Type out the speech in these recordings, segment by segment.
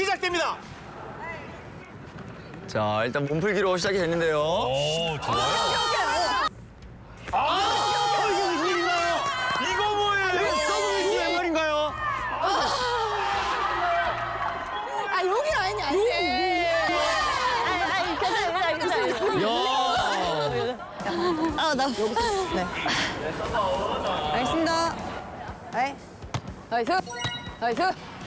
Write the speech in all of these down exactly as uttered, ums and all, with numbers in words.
시작됩니다. 자, 일단 몸풀기로 시작이 됐는데요. 오, 좋아요. 아, 이게 무슨 일인가요? 이거 뭐예요? 서브미스 왼발인가요? 아 여기 아니 아니. 아니 괜찮아요 괜찮아요. 야. 아나 네. 알겠습니다. 네. 나이스 나이스.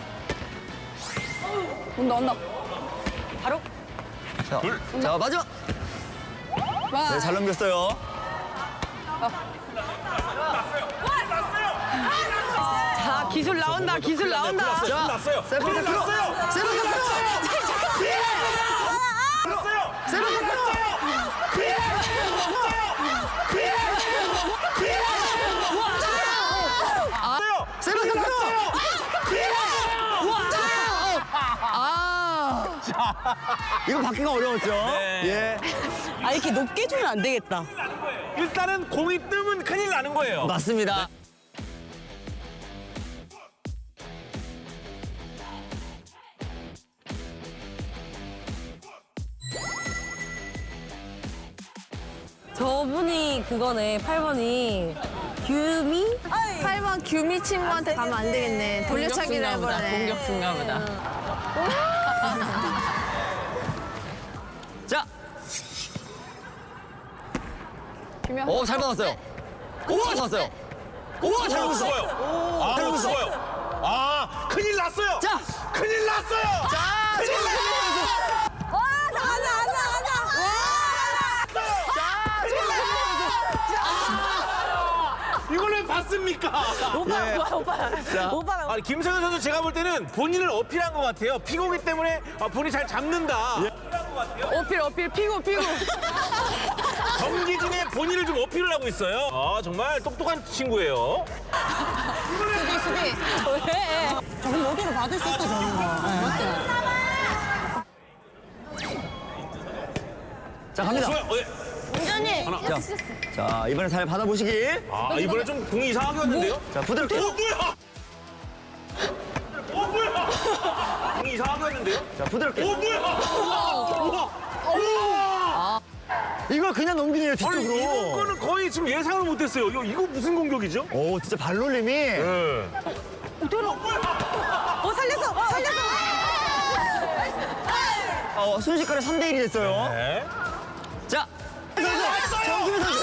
온다 온다. 바로. 자, 자 마지막. 와. 네, 잘 넘겼어요. 자, 기술 나온다, 기술 나온다. 자, 났어요. 세븐 났어요. 났어요. 세븐 났어요. 났어요. 세븐 났어요. 세븐 났어요. 아, 이거 받기가 어려웠죠? 예. 아 이렇게 높게 주면 안 되겠다. 일단은 공이 뜨면 큰일 나는 거예요. 맞습니다. 저분이 그거네, 팔 번이 규미? 팔 번 규미 친구한테 가면 안 되겠네. 돌려차기를 해버리네. 공격수인가 보다. 자. 규명. 오, 잘 받았어요. 오, 잘 받았어요. 오, 잘 받았어요. 죽어요. 아, 잘 죽어요. 아, 큰일 났어요. 자. 큰일 났어요. 자, 큰일 났어요. 와 나가 나가 나가. 이걸 왜 봤습니까? 오빠, 예. 오빠, 오빠. 자. 오빠가. 아니, 김성현 선수 제가 볼 때는 본인을 어필한 것 같아요. 피고기 때문에 아, 본인이 잘 잡는다. 어필, 어필, 피고, 피고. 경기 중에 본인을 좀 어필을 하고 있어요. 아, 정말 똑똑한 친구예요. 수비 수비. 왜? 저건 모두로 받을 수 있다, 저런 거. 자, 갑니다. 좋아요. 어, 예. 운전이. 자, 자, 이번에 잘 받아보시길. 아, 이번에 좀 공이 이상하게 왔는데요? 자, 부드럽게. 어, 뭐야? 어, 뭐야? 공이 이상하게 왔는데요? 자, 부드럽게. 어, 뭐야? 우와! 우와! 이걸 그냥 넘기네요, 아니, 뒤쪽으로. 이번 거는 거의 지금 예상을 못했어요. 이거, 이거 무슨 공격이죠? 오, 진짜 발놀림이. 네. 어, 살렸어, 살렸어. 어, 순식간에 삼 대 일이 됐어요. 네. 자, 선수. 정규민 선수.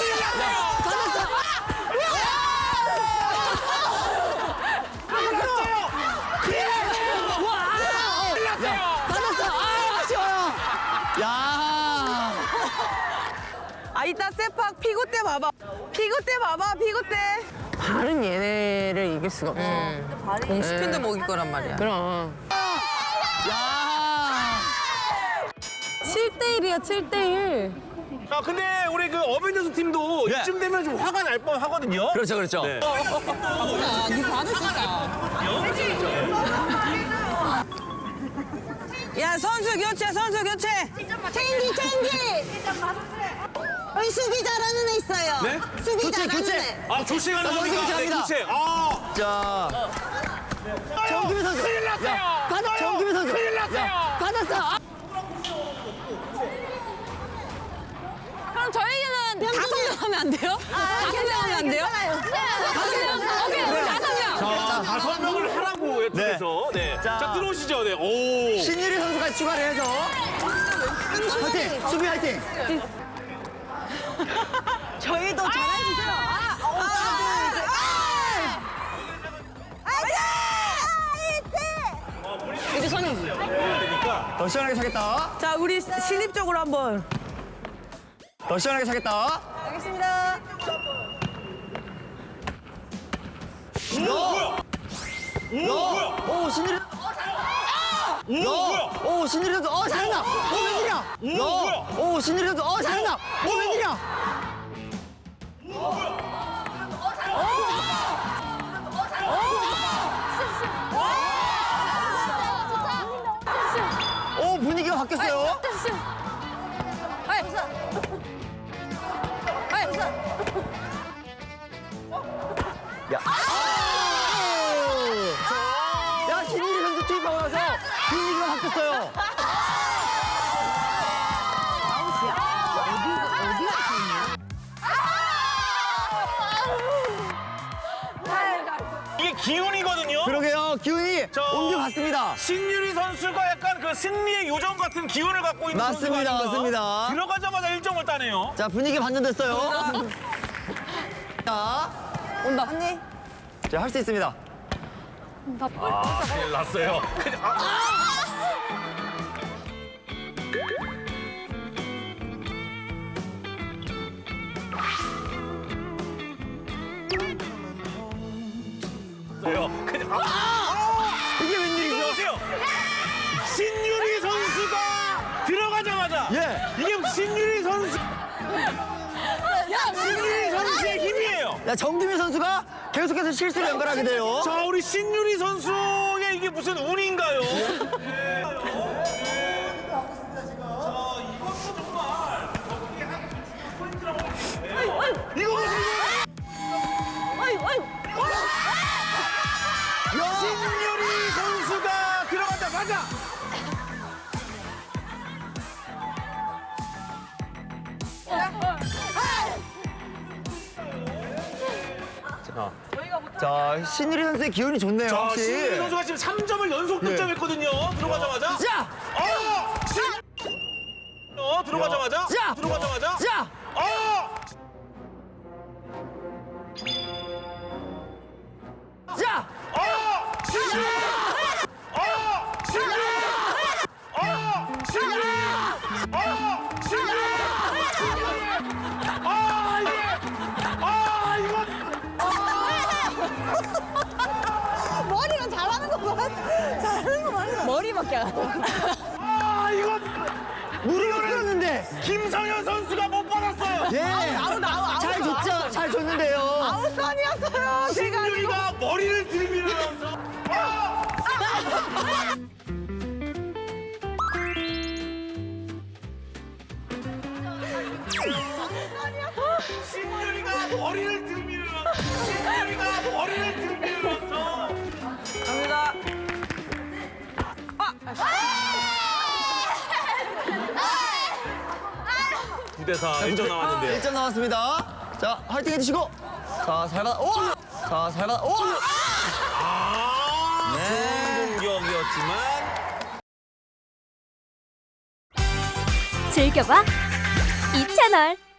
받았어. 아, 아쉬워요. 야. 아, 이따 세팍 피고 때 봐봐. 피고 때 봐봐, 피고 때. 발은 얘네를 이길 수가 없어. 공 스핀도 먹일 거란 말이야. 그럼. 야. 칠 대 일이야, 칠 대 일. 아, 근데 우리 그 어벤져스 팀도 네. 이쯤 되면 좀 화가 날 뻔 하거든요. 그렇죠, 그렇죠. 네. 아, 니 받을 수 있다. 야, 선수 교체, 선수 교체. 체인지 체인지. 우리 수비 잘하는 애 있어요. 네? 수비 교체, 잘하는 교체. 애. 아, 교체가 선수 나옵니까? 네, 교체합니다. 교체. 아. 자. 정규민 선수. 큰일 났어요. 야, 받아. 정규민 선수. 큰일 났어요. 야, 받았어. 아. 그럼 저희는 다섯 명 하면 안 돼요? 다섯 명 하면 안 돼요? 다섯 명? 오케이, 우리 다섯 명. 자, 다섯 명을 하라고 해서 네. 자. 자, 들어오시죠. 네. 오. 신유리 선수가 추가를 해서. 화이팅! 수비 화이팅! 저희도 잘해주세요. 아, 어, 이게 선이지. 더 시원하게 차겠다. 자, 우리 신입적으로 한번. 더 시원하게 차겠다. 알겠습니다. 오, 뭐야? 오, 뭐야? 오, 신유리. 오, 뭐야? 오, 신유리 선수. 어, 잘한다. 오, 웬일이야? 오, 뭐야? 오, 신유리 선수. 어, 잘한다. 오, 웬일이야? 오, 분위기가 바뀌었어요. 야. 야, 신유리 선수 투입하고 나서 분위기가 바뀌었어요. 만들었어요. 이게 기운이거든요. 그러게요. 기운이 저- 옮겨갔습니다. 신유리 선수가 약간 그 승리의 요정 같은 기운을 갖고 있는 맞습니다, 선수가 아닌가? 맞습니다. 들어가자마자 일 점을 따네요. 자, 분위기 반전됐어요. 자, 온다. 언니. 자, 할 수 있습니다. 아, 큰일 났어요. 큰일- 아. 났어요. 큰일- 아. 이게 웬일이죠? 보세요. 신유리 선수가 들어가자마자 예. 이게 신유리 선수 신유리 선수의 힘이에요. 야, 정규민 선수가 계속해서 실수를 연결하게 돼요. 자, 우리 신유리 선수의 이게 무슨 운인가요? 이거 보세요. 신유리 선수가 들어가자마자 자, 신유리 선수의 기운이 좋네요. 자, 확실히. 신유리 선수가 지금 삼 점을 연속 예. 득점했거든요. 들어가자마자. 자, 어! 신... 어, 들어가자마자. 자! 들어가자마자. 자, 어! 자, 어! 신유리! 어! 신유리! 어! 신유리! 어! 신유리! 아, 이게! 아, 이거! 머리가 잘하는 거 봐. 잘하는 거 봐. 머리밖에 안 해. 아, 이거! 무릎을 꿇었는데. 김성현 선수가 못 받았어요. 예. 아우, 나우, 아우. 잘 줬죠? 잘 줬는데요. 아웃선이었어요. 제가 아니고. 신유리가 머리를 들이밀면서 아! 신유리가 머리를 들이밀면서 신유리가 머리를 들이밀면서 갑니다. 구 대 사 일 점 남았는데요. 일 점 남았습니다. 자, 화이팅 해주시고. 자, 잘 받아. 오! 자, 잘 받아. 오! 아, 네. 좋은 공격이었지만 즐겨봐 이 채널.